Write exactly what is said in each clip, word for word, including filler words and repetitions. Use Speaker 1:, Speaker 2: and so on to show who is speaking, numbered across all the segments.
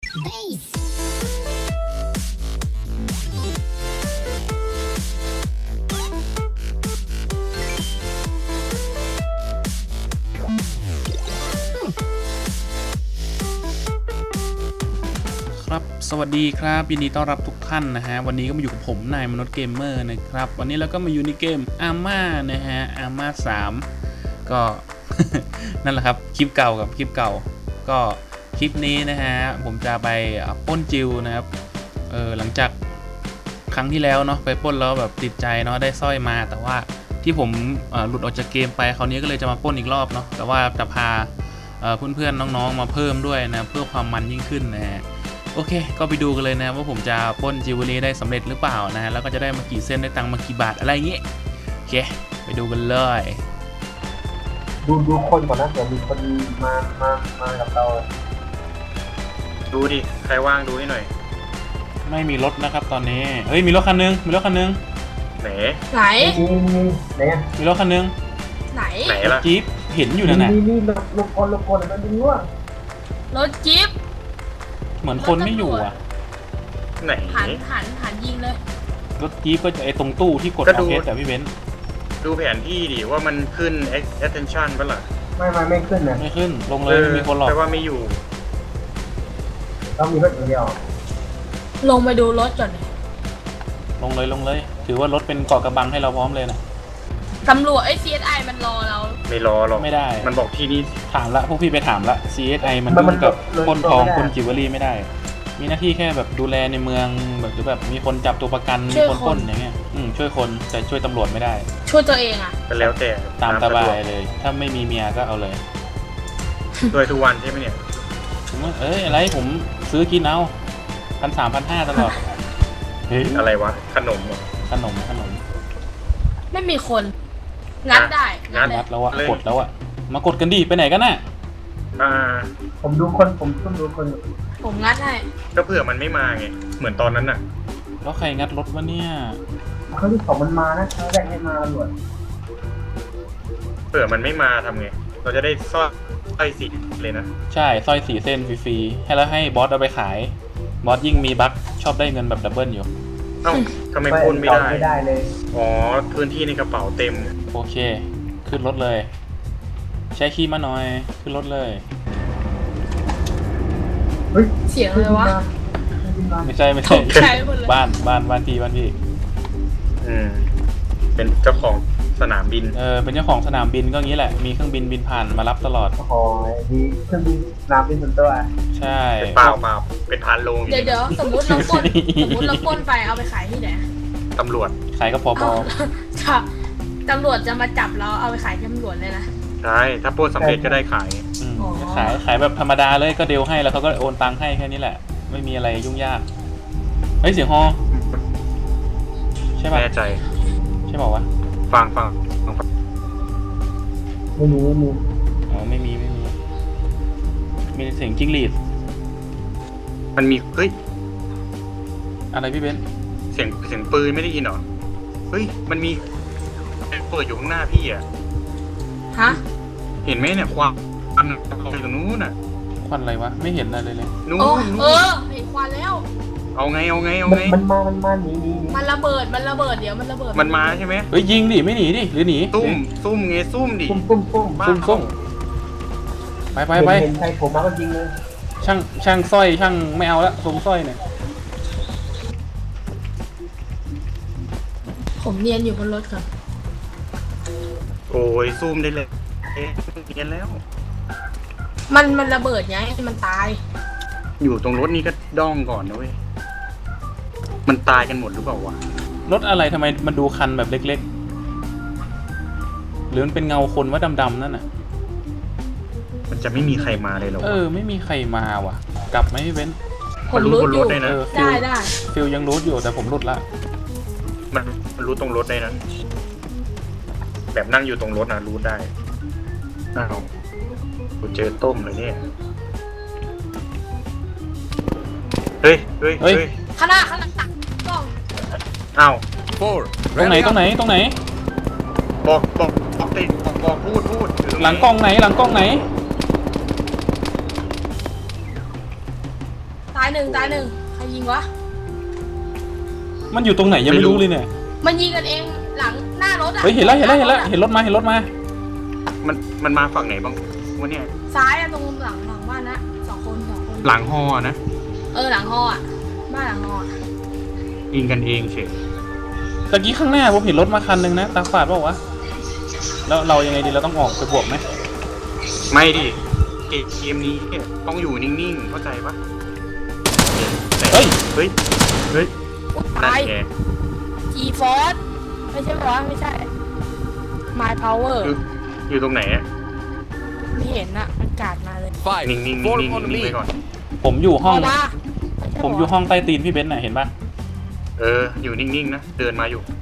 Speaker 1: ครับสวัสดีครับยินดีต้อนรับทุกท่านนะฮะวันนี้ก็มาอยู่กับผมนายมนุษย์เกมเมอร์นะครับวันนี้เราก็มาอยู่ในเกมอาม่านะฮะอาม่าสามก็ นั่นแหละครับคลิปเก่ากับคลิปเก่าก็คลิปนี้นะฮะผมจะไปปล้นจิวนะครับเออหลังจากครั้งที่แล้วเนาะไปปล้นแล้วแบบติดใจเนาะได้สร้อยมาแต่ว่าที่ผมหลุดออกจากเกมไปคราวนี้ก็เลยจะมาปล้นอีกรอบเนาะแต่ว่าจะพาเพื่อนๆน้องๆมาเพิ่มด้วยนะเพื่อความมันยิ่งขึ้นนะฮะโอเคก็ไปดูกันเลยนะว่าผมจะปล้นจิวเวลรี่ได้สำเร็จหรือเปล่านะฮะแล้วก็จะได้มากี่เส้นได้ตังค์มากี่บาทอะไรอย่างเงี้ยโอเคไปดูกันเลย
Speaker 2: ดูดูคนก่อนนะเดี๋ยวมีคนมามามากับเรา
Speaker 3: ดูดิใครว่างดูให้หน่อย
Speaker 1: ไม่มีรถนะครับตอนนี้เฮ้ยมีรถคันนึงมีรถคันนึง
Speaker 3: ไหน
Speaker 4: ไหน
Speaker 2: มีมีไหน
Speaker 1: มีรถคันนึง
Speaker 4: ไหน
Speaker 3: ไหนล่ะ
Speaker 1: จี๊ปเห็นอยู่นั่นน่ะ
Speaker 2: มีมีรถรถคนรถคนมันดึงว่ะ
Speaker 4: รถจิ๊บ
Speaker 1: เหมือนคนไม่อยู่อ่ะ
Speaker 3: ไหน
Speaker 4: หันหันหันยิงเลย
Speaker 1: รถจี๊ปก็จะไอตรงตู้ที่กดเอาเพชรแต่พี่เบน
Speaker 3: ดูแผนที่ดิว่ามันขึ้น attention ป่ะล่ะ
Speaker 2: ไม่ไม่ไม่ขึ้นนะ
Speaker 1: ไม่ขึ้นลงเลยไม่มีคนหรอก
Speaker 3: แปลว่าไม่อยู่
Speaker 2: ต้องมีรถเดียว
Speaker 4: ลงไปดูรถก่อน
Speaker 1: ลงเลยลงเลยถือว่ารถเป็นเกาะกระบังให้เราพร้อมเลยนะ
Speaker 4: ตำรวจไอ้ ซี เอส ไอ มันรอเรา
Speaker 3: ไม่รอหรอก
Speaker 1: ไม่ได้
Speaker 3: มันบอกที่นี่
Speaker 1: ถามละพวกพี่ไปถามละ ซี เอส ไอ มันยุ่งกับคนทองคนจิวเวลรี่ไม่ได้มีหน้าที่แค่แบบดูแลในเมืองแบบหรือแบบมีคนจับตัวประกันมีคนปล้นอย่างเงี้ยอืมช่วยคนแต่ช่วยตำรวจไม่ได้
Speaker 4: ช่วยตัวเองอ่ะ
Speaker 3: ก็แล้วแต่
Speaker 1: ตามสบายเลยถ้าไม่มีเมียก็เอาเลย
Speaker 3: ช่วยทุกวันใช่ไหมเนี่ย
Speaker 1: ผมว่าเอ้ยอะไรผมซื้อกินเอาพันสามพันห้าตลอด
Speaker 3: เฮ้ยอะไรวะขนม
Speaker 1: ขนมขนม
Speaker 4: ไม่มีคนงัดได้
Speaker 1: งัดแล้วอะกดแล้วอะมากดกันดิไปไหนกันน่ะ
Speaker 3: อ่า
Speaker 2: ผมดูคนผมต้องดูคน
Speaker 4: ผมงัดให้
Speaker 3: ก็เผื่อมันไม่มาไงเหมือนตอนนั้นน่ะ
Speaker 1: แล้วใครงัดรถวะเนี่ย
Speaker 2: เขาที่สองมันมานะเขาแรกให้มาตำรวจ
Speaker 3: เผื่อมันไม่มาทำไงเราจะได้สร้อยสร้อยสีเลยนะ
Speaker 1: ใช่สร้อยสีเส้นฟรีๆให้แล้วให้บอสเอาไปขายบอสยิ่งมีบัคชอบได้เงินแบบดับเบิลอยู่
Speaker 3: เอ้าทำไมพูดไม่ได้
Speaker 2: ไม่ได้เลย
Speaker 3: อ๋อพื้นที่ในกระเป๋าเต็ม
Speaker 1: โอเคขึ้นรถเลยใช้คีย์มาหน่อยขึ้นรถเลย
Speaker 2: เฮ้ย
Speaker 4: เสียงอะไรวะ
Speaker 1: ไม่ใช่ไม่ใช่บ้านบ้านบ้านพี่บ้านพี่
Speaker 3: อืมเป็นเจ้าของสนามบิน
Speaker 1: เออเป็นเจ้าของสนามบินก็งี้แหละมีเครื่องบินบินผ่านมารับตลอด
Speaker 2: โอ้โหมีเครื่องบินสนามบินส่วนตัว
Speaker 1: ใช่
Speaker 3: เปล่าเปล่าเป็นพันโล
Speaker 4: เดี๋ยวเดี๋ยวสมมติเราปล้นสมมติเราปล้นไปเอาไปขายที่ไหน
Speaker 3: ตำรวจ
Speaker 1: ขายก็พอพอ
Speaker 4: ค่ะตำรวจจะมาจับเราเอาไปขายที่ตำรวจเลยนะ
Speaker 3: ใช่ถ้าปล้นสำเร็จก็ได้ขาย
Speaker 1: ขายขายแบบธรรมดาเลยก็เดลให้แล้วเขาก็โอนตังค์ให้แค่นี้แหละไม่มีอะไรยุ่งยากเฮ้ยเสียงฮอใช่ป่ะ
Speaker 3: แน่ใจ
Speaker 1: ใช่บอกว่า
Speaker 3: ฟังฟังฟัง
Speaker 2: ไม่มีไม่มี
Speaker 1: อ๋อไม่มีไม่มีมีเสียงจิ้งหรีด
Speaker 3: มันมีเฮ้ย
Speaker 1: อะไรพี่เบน
Speaker 3: เสียงเสียงปืนไม่ได้ยินหรอเฮ้ยมันมีเปิดอยู่ข้างหน้าพี่อะ
Speaker 4: ฮะ
Speaker 3: เห็นไหมเนี่ยควันควันอยู่ตรงนู้นน่ะ
Speaker 1: ควันอะไรวะไม่เห็นอะไรเลยเลย
Speaker 3: นู้น
Speaker 4: เออเห็นควันแล้ว
Speaker 3: เอาไงเอาไงเอาไง
Speaker 2: มันมามันมาหนีหนี
Speaker 4: มันระเบิดมันระเบิดเดี๋ยวมันระเบิด
Speaker 3: มันมาใช่ไหม
Speaker 1: เฮ้ยยิงดิไม่หนีดิหรือหนี
Speaker 3: ซุ่มซุ่มไงซุ่มดิ
Speaker 2: ซุ่มซุ่มซุ่ม
Speaker 1: ซุ่มซุ่มไปไปไป
Speaker 2: เห็นใครผมมาก็ยิงเลย
Speaker 1: ช่างช่างสร้อยช่างไม่เอาละส่งสร้อยเนี่ย
Speaker 4: ผมเนียนอยู่บนรถครับ
Speaker 3: โอ้ยซูมได้เลยเอ๊ะเนียนแล้ว
Speaker 4: มันมันระเบิดไงมันตาย
Speaker 3: อยู่ตรงรถนี้ก็ด้องก่อนนะเว้ยมันตายกันหมดหรือเปล่าวะ
Speaker 1: รถอะไรทำไมมันดูคันแบบเล็กๆหรือมันเป็นเงาคนว่าดำๆนั่นน่ะ
Speaker 3: มันจะไม่มีใครมาเลยหรอ
Speaker 1: เออไม่มีใครมาว่ะกลับไหมพี่เบน
Speaker 4: ผมรู้อยู่
Speaker 3: ได้นะ
Speaker 4: ได้ได้
Speaker 1: ฟิลยังรู้อยู่แต่ผมรุดละ
Speaker 3: มันมันรู้ตรงรถได้นะแบบนั่งอยู่ตรงรถนะรู้ได้อ้าวกูเจอต้มเลยเนี่ยเฮ้ยเฮ้ยเฮ้ย
Speaker 4: ข้างหน้าข้างหลังตักกล้อง
Speaker 3: อ้าว
Speaker 1: ตรงไหนตรงไหนตรงไหน
Speaker 3: บอกบอกบอกติดบอกพูดพูด
Speaker 1: หลังกล้องไหนหลังกล้องไหน
Speaker 4: ตตายหนึ่งตายหนึ่งใครยิงวะ
Speaker 1: มันอยู่ตรงไหนยังไม่รู้เลยเนี่ย
Speaker 4: มันยิงกันเองหลังหน้ารถอะ
Speaker 1: เฮ้ยเห็นแล้วเห็นแล้วเห็นแล้วเห็นรถมาเห็นรถมา
Speaker 3: มันมันมาฝั่งไหนบ้างวะเนี่ย
Speaker 4: ซ้ายอะตรงหลังหลังบ้านนะสองคนสองคน
Speaker 3: หลังฮอนะ
Speaker 4: เออหลังฮออะบ้านหลังฮออะ
Speaker 3: ยิงกันเองเฉย
Speaker 1: ตะกี้ข้างหน้าผมเห็นรถมาคันหนึ่งนะตาฝาดเปล่าวะแล้วเรายังไงดีเราต้องออกไปบวกไหม
Speaker 3: ไม่ดิเกมนี้ต้องอยู่นิ่งๆเข้าใจปะ
Speaker 1: เฮ้ย
Speaker 3: เฮ้ยเฮ้ย
Speaker 4: อุ๊ย
Speaker 3: นั่
Speaker 4: ตาย
Speaker 3: นแก
Speaker 4: จีฟอร์สไม่ใช่ปะวะไม่ใช่ My Power
Speaker 3: อยู่อยู่ตรงไหนอะ
Speaker 4: ไม่เห็นอะมันกาดมาเลย
Speaker 5: Five,
Speaker 3: นิ่งๆนิ่งๆ
Speaker 5: form
Speaker 3: นิ่ง
Speaker 5: on
Speaker 3: ๆนิ่ง
Speaker 5: me.
Speaker 3: ไว้ก่อน
Speaker 1: ผมอยู่ห้อง
Speaker 4: ออกมาไม่ใช่
Speaker 1: ผมอยู่ห้องใต้ตีนพี่เบนซ์น่ะเห็นปะ
Speaker 3: เอออยู่นิ่งๆนะเดินมาอยู่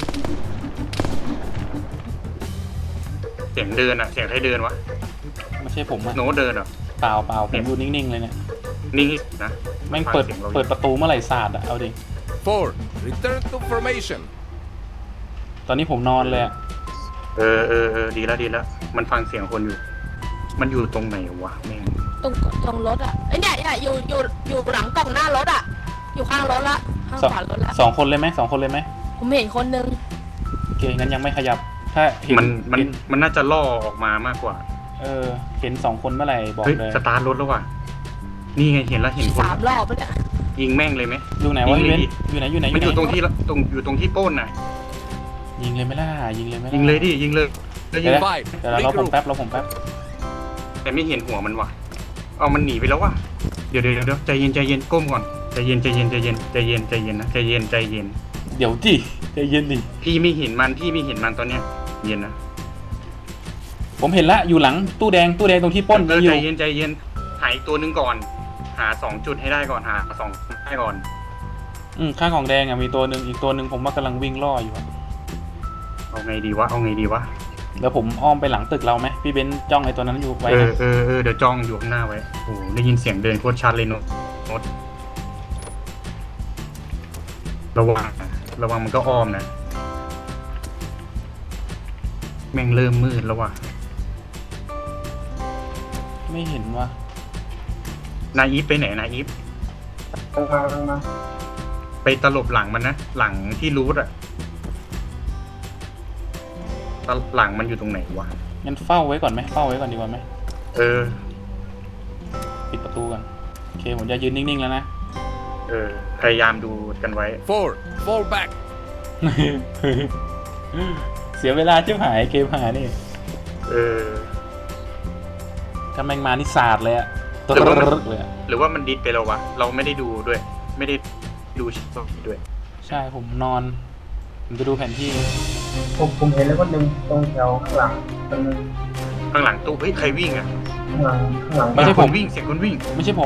Speaker 3: เสียงเดินอะเสียงใครเดินวะ
Speaker 1: ไม่ใช่ผมอะ
Speaker 3: โน้ตเดินเหรอ
Speaker 1: เปล่าเปล่าผมอยู่นิ่งๆเลยเนี่ย
Speaker 3: นิ่งนะ
Speaker 1: แม่งเปิด
Speaker 3: ฟัสียงรา
Speaker 1: เปิดประตูเมื่อไหร่ศาสตร์อะเอาดิ
Speaker 5: Four, return to formation.
Speaker 1: ตอนนี้ผมนอนเลยอะ
Speaker 3: เออเออเออดีแล้วดีแล้วมันฟังเสียงคนอยู่ มันอยู่ตรงไหนวะแม่ง
Speaker 4: ตรงตรงรถอะไอยเนี่ยเนี่ยอยู่อยู่อยู่หลังกล่องหน้ารถอะอยู่ข้างรถละข้าง
Speaker 1: สอง
Speaker 4: ขวารถละ
Speaker 1: สองคนเลยไหมสองคนเลยไหม
Speaker 4: ผมเห็นคนนึง
Speaker 1: โอเคงั้นยังไม่ขยับ ถ้าเห็น
Speaker 3: มันมัน
Speaker 1: เห็น
Speaker 3: มันน่าจะล่อออกมามากกว่า
Speaker 1: เออเห็นสองคนเมื่อไหร่บอก
Speaker 3: เฮ้ย
Speaker 1: เลย
Speaker 3: สตาร์ทรถแล้วว่ะนี่ไงเห็นแล้วเห็นคน
Speaker 4: สามรอบแล้วเนี่ย
Speaker 3: ยิงแม่งเลยไหม
Speaker 1: อยู่ไหนวะ
Speaker 3: ยิง
Speaker 1: พี่
Speaker 3: เล
Speaker 1: เบ
Speaker 3: ย
Speaker 1: นซ์อยู่ไหนอยู่ไหนอ
Speaker 3: มัน
Speaker 1: ยู่
Speaker 3: อยู่
Speaker 1: ไหน
Speaker 3: ตรงที่ละตรงอยู่ตรงที่โป้นน่ะ
Speaker 1: ยิงเลยไหมล่ะยิงเลยไหมล่ะ
Speaker 3: ยิงเลยดิยิงเลยแล้วยิง
Speaker 1: เดี๋ยว
Speaker 5: Five,
Speaker 1: เดี๋ยวเราผม
Speaker 5: regroup.
Speaker 1: แป๊บเราผมแป๊บ
Speaker 3: แต่ไม่เห็นหัวมันว่ะเอามันหนีไปแล้วว่ะเดี๋ยวเดี๋ยวเดี๋ยวใจเย็นใจเย็นก้มก่อนใจเย็นใจเย็นใจเย็นใจเย็นใจเย็นนะใจเย็นใจเย็น
Speaker 1: เดี๋ยวจิใจเย็นดิ
Speaker 3: พี่ไม่เห็นมันพี่ไม่เห็นมันตอนเนี้ยเย็นนะ
Speaker 1: ผมเห็นละอยู่หลังตู้แดงตู้แดงตรงที่ปล้น
Speaker 3: เออ
Speaker 1: อยู่
Speaker 3: ใจเย็นใจเย็นหายตัวหนึงก่อน หาสองจุดให้ได้ก่อนหาสองให้ก่อน
Speaker 1: อืมข้างของแดงอ่ะมีตัวหนึ่งอีกตัวหนึ่งผมว่ากำลังวิ่งล่ออยู่อะ
Speaker 3: เอาไงดีวะเอาไงดีวะ
Speaker 1: เดี๋ยวผมอ้อมไปหลังตึกเราไหมพี่เบนซ์จ้องไอ้ตัวนั้นอยู่ไว้
Speaker 3: เออ
Speaker 1: นะ
Speaker 3: เออเออเดี๋ยวจ้องอยู่ข้างหน้าไว้โอ้โหได้ยินเสียงเดินโคตรชัดเลยโน้ตโน้ตระวังนะระวังมันก็อ้อมนะแม่งเริ่มมืดแล้วว่ะ
Speaker 1: ไม่เห็นว่ะ
Speaker 3: นายอีฟไปไหนนายอีฟ
Speaker 2: ลงมาลงมา
Speaker 3: ไปตลบหลังมันนะหลังที่รูทอะตลหลังมันอยู่ตรงไหนวะ
Speaker 1: งั้นเฝ้าไว้ก่อนไหมเฝ้าไว้ก่อนดีกว่าไหม
Speaker 3: เออ
Speaker 1: ปิดประตูกันโอเคผมจะยืนนิ่งๆแล้วนะ
Speaker 3: เออ พยายามดูกันไว้
Speaker 5: Four, fall back.
Speaker 1: เสียเวลาจิ้มหายเกมหายนี่
Speaker 3: เออ
Speaker 1: ถ้าแม่งมานี่ศาสตร์เลยอะต
Speaker 3: หรือว่ามัน
Speaker 1: รึกเลยอะ
Speaker 3: หรือว่ามันดิสไปแล้ววะ เราไม่ได้ดูด้วย ไม่ได้ดูชิปด้วย
Speaker 1: ใช่ผมนอน ผมจะดูแผนที่
Speaker 2: ผมผมเห็นแล้วคนหนึ่งตรงแถวข้างหลังตรงนึง
Speaker 3: ข้างหลังตู้เฮ้ยใครวิ่งอะ
Speaker 2: ข้างหลังข้างหลัง
Speaker 1: ไม่ใช่
Speaker 3: ค
Speaker 1: ผ
Speaker 3: นวิ่งเสียงคนวิ่ง
Speaker 1: ไม่ใช่ผม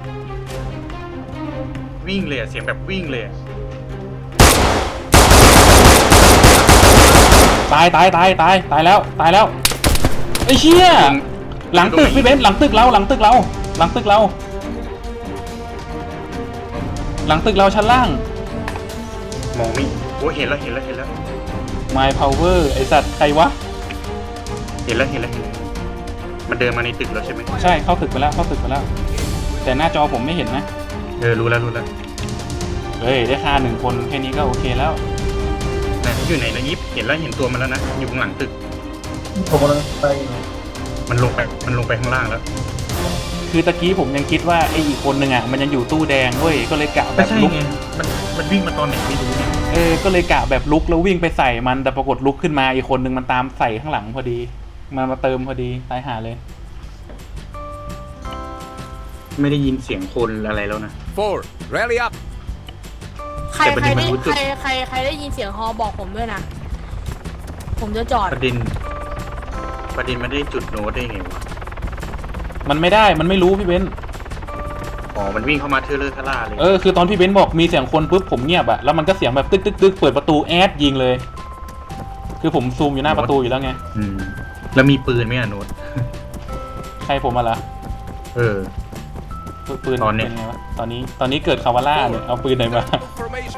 Speaker 3: วิ่งเลยอะเสียงแบบวิ่งเลยอะ
Speaker 1: ตายตายตายตายตายแล้วตายแล้วไอ้เชี่ยหลังตึกพี่เบนซ์หลังตึกเราหลังตึกเรา หลังตึกเรา หลังตึกเราชั้นล่าง
Speaker 3: มองไม่โอ้ยเห็นแล้วเห็นแล้วเห็นแล้ว
Speaker 1: My Power ไอสัตว์ใครวะ
Speaker 3: เห็นแล้วเห็นแล้วเห็นแล้วมันเดินมาในตึกแล้วใช่ไหม
Speaker 1: ใช่เข้าตึกไปแล้วเข้าตึกไปแล้ว แต่หน้าจอผมไม่เห็นนะ
Speaker 3: เออรู้แล้วรู้แล้ว
Speaker 1: เฮ้ยได้ค่าหนึ่งคนแค่นี้ก็โอเคแล้ว
Speaker 3: ไหนอยู่ไหนนะยิปเห็นแล้วเห็นตัวมันแล้วนะอยู่ข้างหลังตึก
Speaker 2: ผมกำลังไปอยู่
Speaker 3: มันลงไปมันลงไปข้างล่างแล้ว
Speaker 1: คือตะกี้ผมยังคิดว่าไออีกคนหนึ่งอ่ะมันยังอยู่ตู้แดงเว้ยก็เลยกะแบ
Speaker 3: ไม่
Speaker 1: บ
Speaker 3: ใช่
Speaker 1: ลุก
Speaker 3: ไงมันมันวิ่งมาตอนไหนไม่รู้เนี่ย
Speaker 1: เออก็เลยกะแบบลุกแล้ววิ่งไปใส่มันแต่ปรากฏลุกขึ้นมาอีกคนหนึ่งมันตามใส่ข้างหลังพอดีมามาเติมพอดีตายหาเลย
Speaker 3: ไม่ได้ยินเสียงคนอะไรแล้วนะ
Speaker 5: Four, rally up.
Speaker 4: ใคร
Speaker 3: แต่ประ
Speaker 4: ใค
Speaker 3: เด็
Speaker 4: ร
Speaker 3: นมัน
Speaker 4: ได้
Speaker 3: รู้จุด
Speaker 4: ใครใครใครได้ยินเสียงฮอบอกผมด้วยนะ ผมจะจอด
Speaker 3: ประเด็น ประเด็นมันได้จุดโน้ตได้ไงวะ
Speaker 1: มันไม่ได้มันไม่รู้พี่เบนซ์
Speaker 3: อ๋อมันวิ่งเข้ามาเทเลอร์ทล่าเลย
Speaker 1: เออคือตอนพี่เบนซ์บอกมีเสียงคนปุ๊บผมเงียบอะแล้วมันก็เสียงแบบตึกตึกตึกเปิดประตูแอดยิงเลย คือผมซูมอยู่หน้าประตูอยู่แล้วไง
Speaker 3: อืมแล้วมีปืนไหมอะโน้ต
Speaker 1: ใครผมมาละ
Speaker 3: เออ
Speaker 1: ปืน
Speaker 3: ตอนเนี้ย
Speaker 1: เป็นไงวะตอนนี้ตอนนี้เกิดคาวาล่าเนี่ยเอาปืนไหนมา
Speaker 5: Return to formation.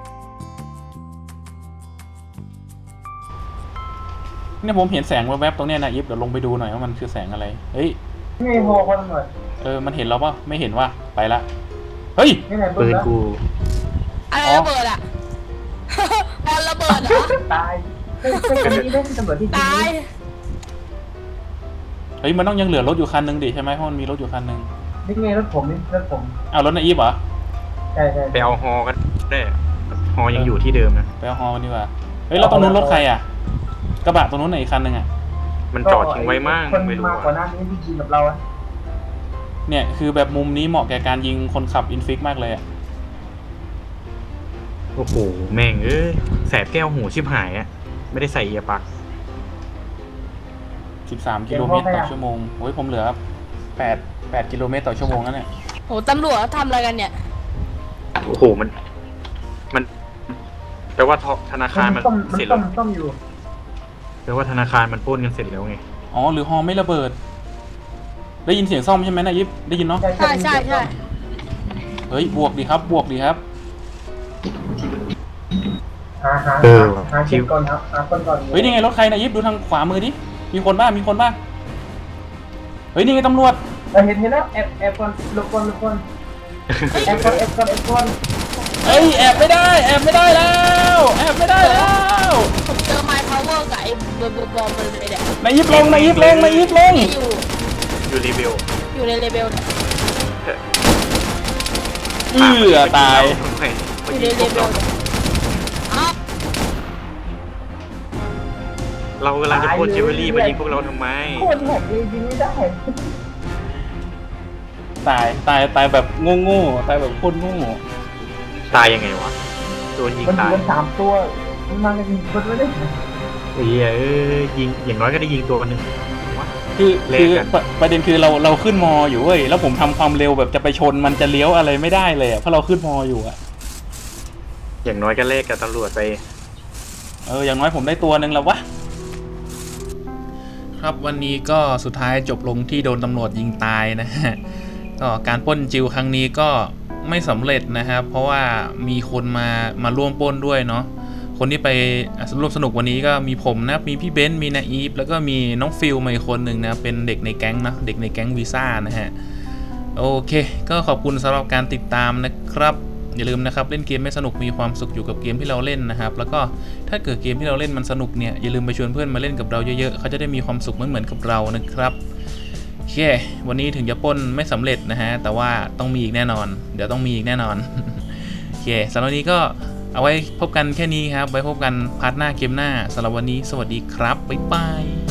Speaker 1: เนี่ยผมเห็นแสงแวบๆตรงเนี้ยนะยิปเดี๋ยวลงไปดูหน่อยว่ามันคือแสงอะไรเฮ้ย
Speaker 2: ไม่พอคนหน่อย
Speaker 1: เออมันเห็นเราปะไม่เห็นว่าไปละเฮ้ย
Speaker 2: นี่ไง
Speaker 3: ปืนกู
Speaker 4: อะไรระเบิดอ่ะ บอลระเบิดเหรอ
Speaker 2: ตายเฮ้ยเฮ้ยคนนี้ได้ตำรวจที่จริง
Speaker 4: ตาย
Speaker 1: เฮ้ยมันต้องยังเหลือรถอยู่คันหนึงดิใช่ไหมเพราะมันมีรถอยู่คันหนึง
Speaker 2: นี่ไงรถผมนี่รถผม
Speaker 1: เอารถนายอีฟเหรอ
Speaker 2: ใช่ใช่
Speaker 3: ไปเอาฮอกันได้ฮอยังอยู่ที่เดิมนะ
Speaker 1: ไปเอาฮอมันดีกว่าเฮ้ยแล้วตรงนู้นรถใครอ่ะกระบะตรงนู้นไหนอีกคันหนึงอ่ะ
Speaker 3: มันจอดทิ้งไว้มั่ง
Speaker 2: คน
Speaker 3: ไม่รู้
Speaker 2: มากกว่า
Speaker 3: อะ
Speaker 2: นั้นนี่ที่ยิงกับเราอะ
Speaker 1: เนี่ยคือแบบมุมนี้เหมาะแก่การยิงคนขับอินฟิกมากเลยอ่ะ
Speaker 3: โอ้โหแม่งเอ้ยแสบแก้วหูชิบหายอะไม่ได้ใส่เอียร์ปลั๊ก
Speaker 1: สิบสามกิโลเมตรต่อชั่วโมงโอ้ยผมเหลือแปด แปดกิโลเมตรต่อชั่วโมงนั่นแหละ
Speaker 4: โหตำรวจเขาทำอะไรกันเนี่ย
Speaker 3: โอ้โหมัน มันแปลว่าธนาคารมัน
Speaker 2: ต้มมัน
Speaker 3: เสร็จ
Speaker 2: ต้
Speaker 3: แล้
Speaker 2: ม
Speaker 3: ว
Speaker 2: ต้มอยู่
Speaker 3: แปลว่าธนาคารมันปล้นกันเสร็จแล้วไง
Speaker 1: อ๋อหรือฮอไม่ระเบิด ได้ยินเสียงซ่อมใช่ไหมนายยิปได้ยินเนาะ
Speaker 4: ใช่ใช่ใช่
Speaker 1: เฮ้ยบวกดีครับบวกดีครับ
Speaker 2: หาหา
Speaker 3: เออ
Speaker 2: หาเช็คก่อนครับหาคนก่อน
Speaker 1: เฮ้ยนี่ไงรถใครนายยิปดูทางขวามือดิมีคนบ้างมีคนบ้างเฮ้ยนี่ไงตำรวจ
Speaker 2: เราเห็นเห็นแล้วแอบแอบก่อนหลบก่อนหลบก่อนแอบก่อนแอบก่อนแอบก่อน
Speaker 1: เฮ้ยแอบไม่ได้แอบไม่ได้แล้วแอบไม่ได้แล้ว
Speaker 4: ผมเจอไมค์พาวเวอร์กับไอ้บอมบอมมันเลยเนี่ย
Speaker 1: นายยิปลงนายยิปลงนายยิปลง
Speaker 4: นี่อยู่
Speaker 3: อยู่รีวิว
Speaker 4: อยู่ในเลเวลเนี่ย
Speaker 1: เอือตาย
Speaker 4: อยู่ในเลเวลเนี่ยเอ้า
Speaker 3: เรากำลังจะปล้นเจเวลรี่มายิงพวกเราทำไม
Speaker 2: โคตรแหกเลยยิงไม่ได้
Speaker 1: ตายตายตายแบบโง่ๆตายแบบโคตรโง่
Speaker 3: ตายยังไงวะโดนยิง
Speaker 2: มัน
Speaker 3: ตาย
Speaker 2: มันสามตัวมันมากันยิงคนไม่ได้
Speaker 3: เอ้ยเอ้ยยิงอย่างน้อยก็ได้ยิงตัวหนึ่งวะ
Speaker 1: คือ
Speaker 3: เลข
Speaker 1: คือ
Speaker 3: กัน
Speaker 1: ประประเด็นคือเราเราขึ้นมออยู่เว้ยแล้วผมทำความเร็วแบบจะไปชนมันจะเลี้ยวอะไรไม่ได้เลยอะเพราะเราขึ้นมออยู่อะ
Speaker 3: อย่างน้อยก็เลขกับตำรวจไป
Speaker 1: เอออย่างน้อยผมได้ตัวหนึ่งแล้ววะครับวันนี้ก็สุดท้ายจบลงที่โดนตำรวจยิงตายนะฮะก็การปล้นจิวครั้งนี้ก็ไม่สำเร็จนะครับเพราะว่ามีคนมามาร่วมปล้นด้วยเนาะคนที่ไปร่วมสนุกวันนี้ก็มีผมนะมีพี่เบนซ์มีนาอีฟแล้วก็มีน้องฟิลมาอีกคนหนึ่งนะเป็นเด็กในแก๊งนะเด็กในแก๊งวีซ่านะฮะโอเคก็ขอบคุณสำหรับการติดตามนะครับอย่าลืมนะครับเล่นเกมไม่สนุกมีความสุขอยู่กับเกมที่เราเล่นนะครับแล้วก็ถ้าเกิดเกมที่เราเล่นมันสนุกเนี่ยอย่าลืมไปชวนเพื่อนมาเล่นกับเราเยอะๆเขาจะได้มีความสุขเหมือนเหมือนกับเรานะครับโอเควันนี้ถึงจะปล้นไม่สำเร็จนะฮะแต่ว่าต้องมีอีกแน่นอนเดี๋ยวต้องมีอีกแน่นอน โอเคสำหรับวันนี้ก็เอาไว้พบกันแค่นี้ครับไว้พบกันพาร์ทหน้าเกมหน้าสำหรับวันนี้สวัสดีครับบ๊ายบาย